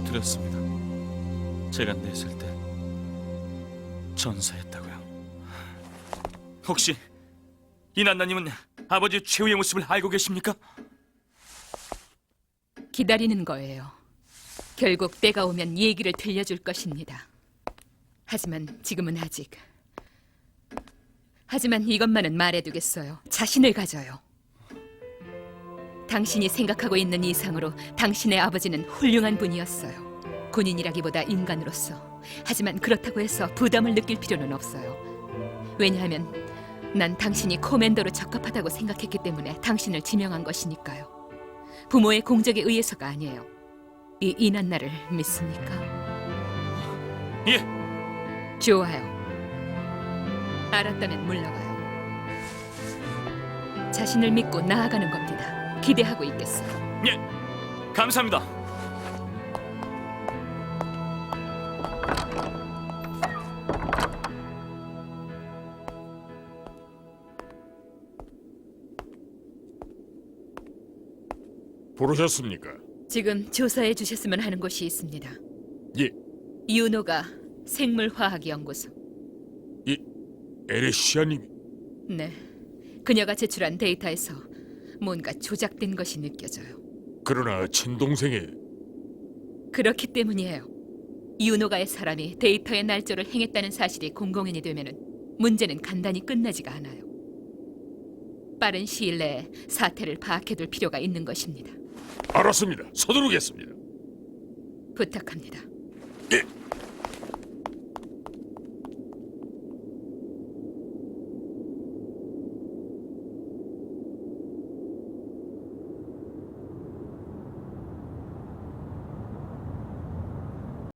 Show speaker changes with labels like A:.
A: 드렸습니다. 제가 냈을 때 전사했다고요. 혹시 이난나님은 아버지 최후의 모습을 알고 계십니까?
B: 기다리는 거예요. 결국 때가 오면 얘기를 들려줄 것입니다. 하지만 지금은 아직. 하지만 이것만은 말해두겠어요. 자신을 가져요. 당신이 생각하고 있는 이상으로 당신의 아버지는 훌륭한 분이었어요. 군인이라기보다 인간으로서. 하지만 그렇다고 해서 부담을 느낄 필요는 없어요. 왜냐하면 난 당신이 코맨더로 적합하다고 생각했기 때문에 당신을 지명한 것이니까요. 부모의 공적에 의해서가 아니에요. 이 이난나를 믿습니까?
A: 예.
B: 좋아요. 알았다면 물러가요. 자신을 믿고 나아가는 겁니다. 기대하고 있겠어요.
A: 예. 감사합니다.
C: 부르셨습니까?
B: 지금 조사해 주셨으면 하는 곳이 있습니다.
C: 예,
B: 유노가 생물화학연구소.
C: 에레시아님이.
B: 네. 그녀가 제출한 데이터에서 뭔가 조작된 것이 느껴져요.
C: 그러나 친동생의
B: 그렇기 때문이에요. 유노가의 사람이 데이터의 날조를 행했다는 사실이 공공연히 되면은 문제는 간단히 끝나지가 않아요. 빠른 시일 내에 사태를 파악해둘 필요가 있는 것입니다.
C: 알았습니다. 서두르겠습니다.
B: 부탁합니다.
C: 예.